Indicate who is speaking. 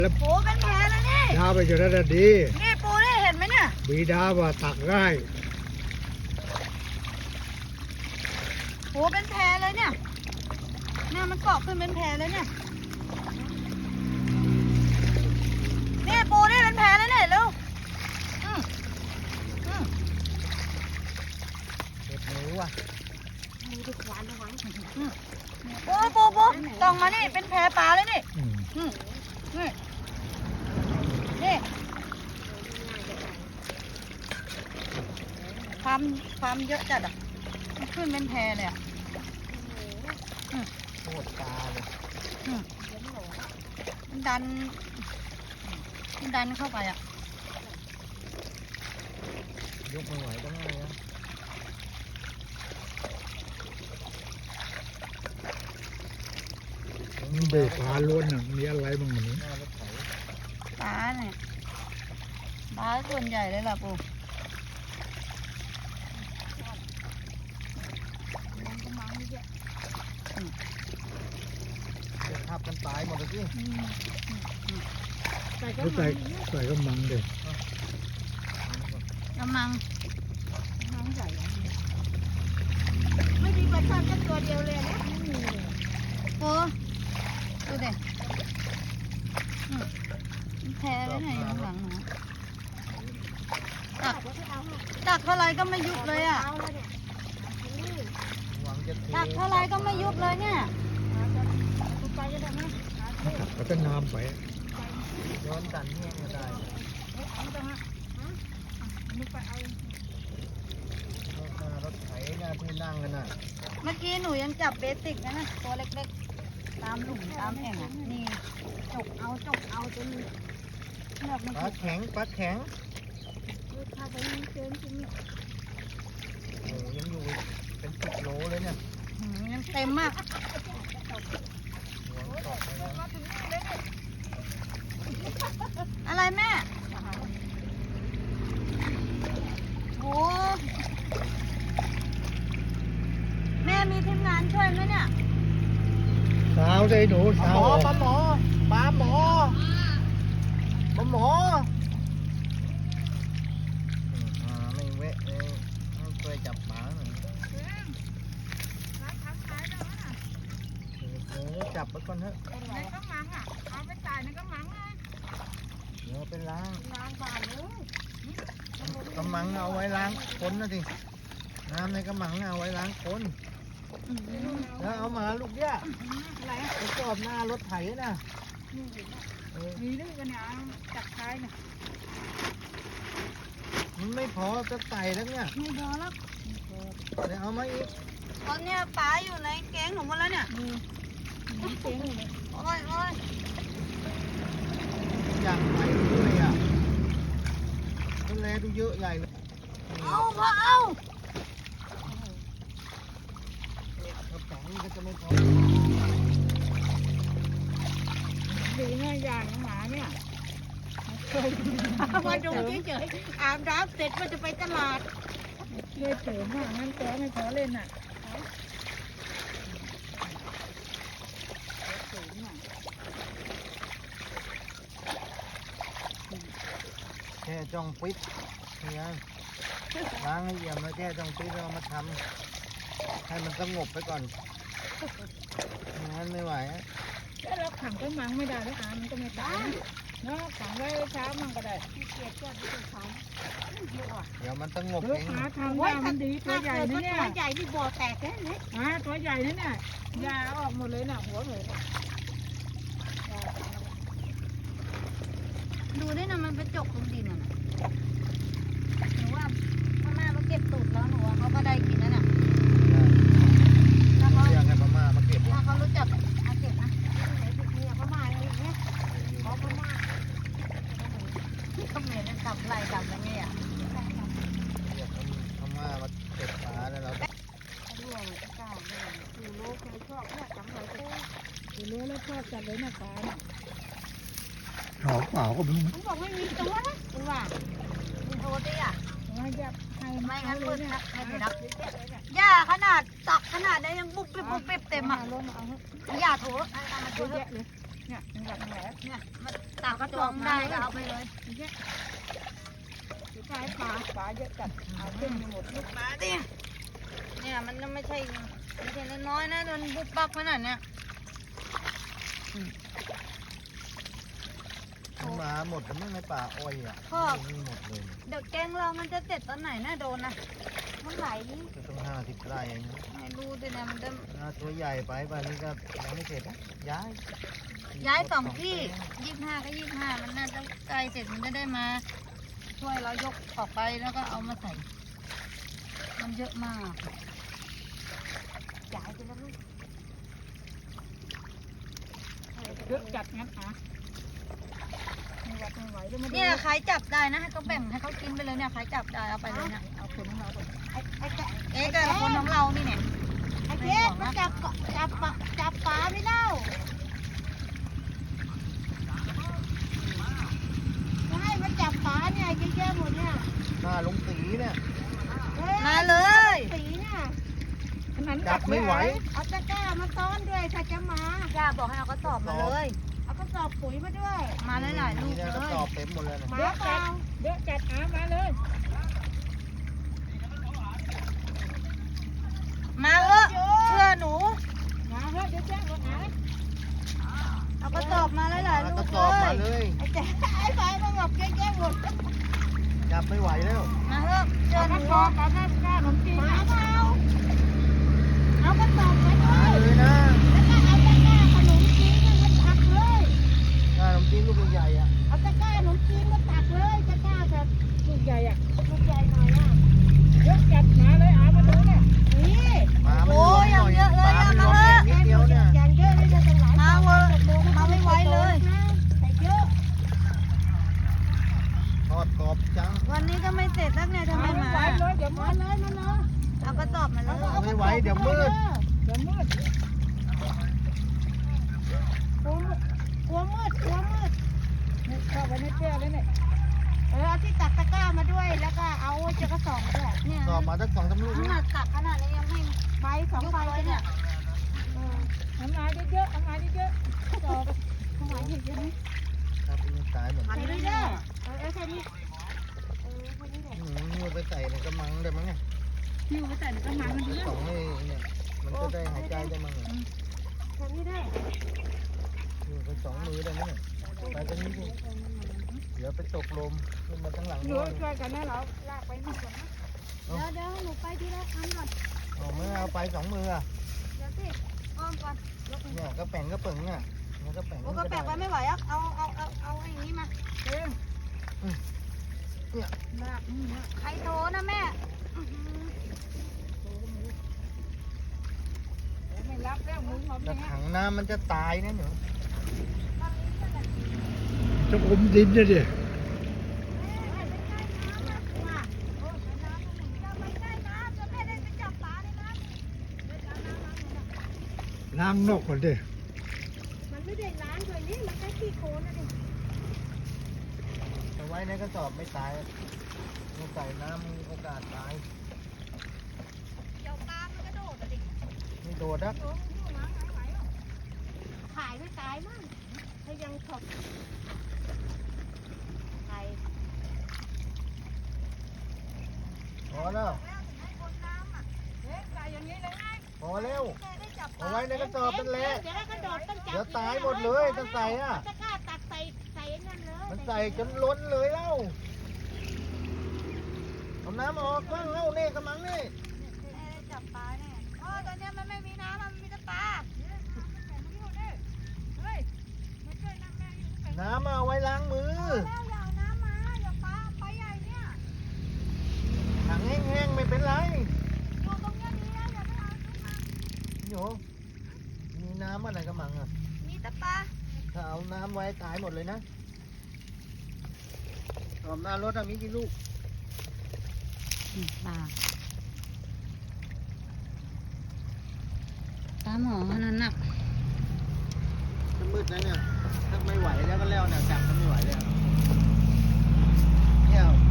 Speaker 1: โอ้เป็นแผลแล้วนี่
Speaker 2: ดาไปจนได้ดี
Speaker 1: นี่ปูนี่เห็นไหมเนี่ย
Speaker 2: บีดาว่าตักง่าย
Speaker 1: โอ้เป็นแผลเลยเนี่ยเนี่ยมันเกาะขึ้นเป็นแผลเลยเนี่ยนี่ปูนี่เป็นแผลแล้วเนี่ยเร็ว
Speaker 2: เด็ดหนูว่ะ
Speaker 1: ปูตองมานี่เป็นแผลปลาเลยนี่นี่นี่ความเยอะจัดอ่ะมันขึ้นเป็นแพเลยอ่ะ
Speaker 2: โคตรตาเลย
Speaker 1: มันดันเข้าไปอ่ะ
Speaker 2: ยกไม่ไหวก็ง่ายนะมันเบรกปลาล้วนน่ะมีอะไรบ้างมันนี้
Speaker 1: ปลาเนี่ยปลาส่วนใหญ่เลยล่ะปู
Speaker 2: ทับกันตายหมดเลยพี่ใส่ก็มังเด็ก
Speaker 1: กำลังใส่ไม่มีปลาช่อนแค่ตัวเดียวเลยนะโอ้ดูเด็กแพ้ไว้ไหนหลังหนูตักเท่าไรก็ไม่ยุบเลยอ่ะตักเท่าไรก็ไม่ยุบเลยเนี่ย
Speaker 2: ก็จะน้ำไปย้อนกันเนี่ยก็ได้รถไถหน้าที่นั่งกันน่ะ
Speaker 1: เมื่อกี้หนูยังจับเบสิกนะตัวเล็กๆตามหลุมตามแอ่งอ่ะนี่จกเอาจน
Speaker 2: ปลาแข็ง
Speaker 1: ถ้าไปเจอจริง
Speaker 2: โอ้ยังอยู่เป็น10 โลเลยเนี่ย
Speaker 1: ยังเต็มมากอะไรแม่โอ้แม่มีทีมงานช่วยไหมเนี่ย
Speaker 2: สาวเลยหนูสาว
Speaker 3: ปลาหมอ
Speaker 2: ไม่เวะเลยต้องช่วยจับปลาหน่อยจับไปก่อนเถอะ
Speaker 1: ในกระมังอ่ะเอาไปใส่ในกระมังเลย
Speaker 2: เดี๋ยวไปล้าง
Speaker 1: บาเลย
Speaker 2: กระมังเอาไว้ล้างคนนะสิน้ำในกระมังเอาไว้ล้างคนแล้วเอามาลูกเนี่ยไปจอดหน้ารถไถนะ
Speaker 1: มีด้วยกันเนี่ยจับท้ายเนี่ย
Speaker 2: มันไม่พอจะใส่แล้วเนี่ย
Speaker 1: ไม่พอแล้ว
Speaker 2: เดี๋ยวเอามาอีก
Speaker 1: ตอนเนี้ยปลาอยู่ในแกงของมันแล้วเนี่ยแกงเลยโอ้ย
Speaker 2: อย่างไรด้วยอ่ะต้นแรดูเยอะใหญ่เลย
Speaker 1: เอากระ
Speaker 2: ป๋องก็จะไม่พอ
Speaker 1: ดีง่ายอย่างหมาเนี่ยมาดูเฉยๆอาบน้ำเสร็จว่าจะไปตลาดเลยเฉยมากงั้นแกไม่ขอเล่นอ่ะ
Speaker 2: แค่จ้องปิดเนี่ยล้างให้เอี่ยมแล้วแค่จ้องปิดแล้วมาทำให้มันสงบไปก่อนงั้นไม่ไหว
Speaker 1: แล้วเราขังก็มังไม่ได้แล้วมันก็ไม่ตายเนาะขังไว้เช้ามันก็ได้เกียดก็ดีกว่า
Speaker 2: เดี๋ยวมันสงบ
Speaker 1: เองหาทำได้มันดีตัวใหญ่นะเนี่ยตัวใหญ่ที่บ่อแตกแค่นี้ตัวใหญ่นี่เนี่ยยาออกหมดเลยน่ะหัวเลยดูได้นะมันไปจกตรงดินน่ะหนูว่าพม่ามาเก็บตูดแล้วหนูว่าเขาก็ได้กินแล้วน่ะ
Speaker 2: ถ้าเขาเรียกให้พม่ามาเก็บ
Speaker 1: ถ้าเขารู้จักอาเก็บนะเนี่ยพม่าอย่างเงี้ยเขาพม่าเขาเหมือนจับไหล่จับอะไรเงี้ย
Speaker 2: เรียกพม่ามาเก็บปลาแล้วเรา
Speaker 1: ด้วยก้าวด้วยดูโลเคยชอบเนี่ยจังเลยดูโลแล้วชอบจัดเลยนะปลา
Speaker 2: หอมเปล่าก็ไม่รู้
Speaker 1: มันบอกไม่มีตัวนะคุณว่าคุณโทรดิอ่ะไม่งั้นเปิดให้ไปรับย่าขนาดตักขนาดได้ยังบุบปิ๊บเต็มอ่ะย่าโถเอามาช่วยเลย
Speaker 3: เนี่ยเป็นแบบแหน
Speaker 1: เนี่ยมันตักกระจองได้ก็เอาไปเลย
Speaker 3: เนี่ยสุดท้ายปลาเยอะจัดเอาขึ้นไปหมดลูก
Speaker 1: มาดิเนี่ยมันไม่ใช่น้อยๆนะมันบุบบับขนาดเนี้ย
Speaker 2: มันมาหมดแล้วมั้งในป่าอ้อยอ่ะมีหมดเลย
Speaker 1: เดี๋ยวแกงเรามันจะเสร็จตอนไหนน่าโดนนะมันไหล
Speaker 2: จะต้อง50 ไร่เองนะ
Speaker 1: ไม่รู้ดิเนี่ยมันจะ
Speaker 2: ตัวใหญ่ไปป่านนี้ก็ยังไม่เสร็จนะ
Speaker 1: ย้าย2 ที่25 ก็ 25มันน่าจะใกล้เสร็จมันจะได้มาช่วยเรายกออกไปแล้วก็เอามาใส่มันเยอะมากย้ายไปแล้วลูก
Speaker 3: เยอะจัดงั้นไม่ไหวไม่ไหวแล้วมาดู
Speaker 1: เนี่ยใครจับได้นะให้เขาแบ่งให้เขากินไปเลยเนี่ยใครจับได้เอาไปเลยเนี่ย
Speaker 3: เอาคนของเราก่อน
Speaker 1: เอ๊ะกับคนของเรานี่เนี่ย
Speaker 3: ไอ้เจ๊มาจับปลาไม่เล่าจะให้มาจับปลาเนี่ยเยอะๆหมดเนี่ย
Speaker 2: หน้าลงสีเนี่ย
Speaker 1: มาเลย
Speaker 3: สีเนี่ย
Speaker 2: จับไม่ไหว
Speaker 3: เอาตะกร้ามาต้อนด้วยถ้าจะมา
Speaker 1: ย่าบอกให้เอากระสอบมาเลย
Speaker 3: เอากระสอบปุ๋ยมาด้วย
Speaker 1: มาหลายๆลูก
Speaker 2: นี่
Speaker 1: เล
Speaker 2: ก็
Speaker 1: ย
Speaker 2: สอบเต็มหมดเลยนะ
Speaker 3: มาเปล่าเยอะจัดมาเลย
Speaker 1: มาเถอะเชื่อหนู
Speaker 3: มาเถอะเดี๋ยวแจ้งรถหา
Speaker 1: เอากระสอบมาหลายๆลู
Speaker 2: กระ
Speaker 1: ก
Speaker 2: สอบ
Speaker 1: เล
Speaker 2: มาย เลย
Speaker 3: ไอ้เจ๊ไอ้ไฟมันแบบแย่ๆหมด
Speaker 2: จับไม่ไหวแล้ว
Speaker 1: มาเถอะเชื่อหนู
Speaker 3: เอากระสอบมาเปล่าเอากระสอบไปด้
Speaker 2: มา
Speaker 3: วย
Speaker 2: เลยนะ
Speaker 3: แล้วก็เอาตะกร้าขนมจีนมาตักเลย
Speaker 2: หน้าขนมจีนลูกใหญ่ๆอ่ะ
Speaker 3: เอาตะกร้าขนมจีนมาตักเลยตะกร้าแบบลูกใหญ่อ่ะลูกใหญ่หน่อยอ่ะเยอะจัดมาเลยเอามาดูเนี่ยนี่
Speaker 2: มาไม่
Speaker 1: โอ้
Speaker 2: รวม
Speaker 1: ย
Speaker 2: หน่อย
Speaker 1: เยอะเลย
Speaker 2: ปลา
Speaker 1: อะ
Speaker 2: ไม่
Speaker 1: มาร
Speaker 2: วม
Speaker 1: เถอะ
Speaker 2: นิดเดียวเนี่ย
Speaker 3: อย่างเยอะเลยจะเป็นหลาย
Speaker 1: มาเวอร์มาไม่ไหวเลย
Speaker 3: ใส่เยอะ
Speaker 2: ทอดกรอบจัง
Speaker 1: วันนี้ก็ไม่เสร็จสักเนี่ยทำไมมา
Speaker 3: เลยเดี๋ยวมาเลยมาเลย
Speaker 1: เอากระสอบมาเลย
Speaker 2: ไม่ไหวเดี๋ยวมืด
Speaker 3: เดี๋ยวมืดกลัวมืดนี่เข้าไปในเสื้อเลยเนี่ยเอาที่ตักตะกร้ามาด้วยแล้วก็เอาเจ้ากระสอบมาด้วย
Speaker 1: เนี่ย
Speaker 2: สอบมาสัก2-3 ลูก
Speaker 1: ขนาดตักขนาดนี้ยังไม่
Speaker 3: ใบสอง
Speaker 1: ยุบ
Speaker 3: ใบ
Speaker 1: เลย
Speaker 3: เนี่
Speaker 1: เนี่ย ย
Speaker 3: เอามาเยอะๆเอามาเยอะๆจอบเอามาเยอะ
Speaker 2: ครับมันตายหมด
Speaker 3: ๆใส่นี่เด้อใส่นี่ใส่นี่แหละ
Speaker 2: มือไปใส่ในกระมังได้มั้งเนี่ย
Speaker 3: หิ้วไปใส่ในกระมังมันเยอะ
Speaker 2: สองให้เนี่ยมันก็ได้หายใจได้มั้งเนี่ย
Speaker 3: ใส่นี่ได้
Speaker 2: อยู่ไป2 มือได้มั้งเนี่ยไปตรงนี้ดิเดี๋ยวไปตกลมขึ้นมาทั้งหลัง
Speaker 3: เย
Speaker 2: ด้ว
Speaker 3: อะ
Speaker 2: ย
Speaker 3: ช่วยกันนะเราลากไปหมดก่อนนะเดี๋ยวหนูไปทีละครั้งก่อน
Speaker 2: เอาไม่เอาไป2 มืออ่ะ
Speaker 1: เดี๋ยวสิอ้อมก่อน
Speaker 2: เนี่ยก็แป่งก็เปิงอ่ะมันก็แป่ง
Speaker 1: โอ้ก็แปลกไปไม่ไหวอ่ะเอาไอ้นี้มา
Speaker 3: เอง
Speaker 2: เนี่ย
Speaker 3: ลากนี่นะ
Speaker 1: ใครโทรนะแม่อื้อหือ
Speaker 3: ไม่รับแล้วมือหอม
Speaker 2: แต่
Speaker 3: เนี่ย
Speaker 2: ถังน้ำมันจะตายนะหนู
Speaker 4: จะอมดินนะดิล้างนกก่อนดิ
Speaker 3: มันไม่ได้ล้างด้วยนี่มันแค่ขี้โคลนนะดิ
Speaker 2: เอาไว้ในกระสอบไม่ตายมันใส่น้ำมีโอกาสตาย
Speaker 1: เดี๋ยวปลามันกระโดดอ่ะดิ
Speaker 2: ไม่โดดนะ
Speaker 3: ขายไม่ตายมั่งถ้ายังขอบไข่
Speaker 2: พอแล้ว
Speaker 3: ใส่อย่างนี้เลยไง
Speaker 2: พอแล้ว
Speaker 1: แม่ได้จับป
Speaker 2: เอา
Speaker 1: ลา
Speaker 2: ไว้ในกระสอบนั่นแหละ
Speaker 3: เดี๋ยวกระโดดต้องจับ
Speaker 2: เดี๋ยวตายหมดเลยถ้าใส่อะ
Speaker 3: ตะกร้าตักใส่นั่นเลย
Speaker 2: มันใส่จนล้นเลยเล่าเอาน้ำออกบ้างเล่านี่กระมังนี่
Speaker 1: แม่ได้จับปลาเนี่ยอ๋อตอนเนี้ยมันไม่มีน้ำมันมีแต่ปลา
Speaker 2: น้ำเอาไว้ล้างมือ
Speaker 1: แล้วอย่าเอาน้ำมาอย่าปลาไปใหญ่เนี่ย
Speaker 2: ถังแห้งๆไม่เป็นไร
Speaker 1: อยู่ตรงเนี้ยดีแล้วอย่าไปเอาขึ้นมา
Speaker 2: โยมีน้ำอะไรกระมังอ่ะ
Speaker 1: มีแต่ปลา
Speaker 2: ถ้าเอาน้ำไว้ตายหมดเลยนะตอมหน้ารถมีกี่ลูก
Speaker 1: ปลาปลาหมอขนาดหนัก
Speaker 2: จะมืดแล้วเนี่ยถ้าไม่ไหวแล้วก็แล้วเนี่ยจับก็ไม่ไหวแล้วเนี่ย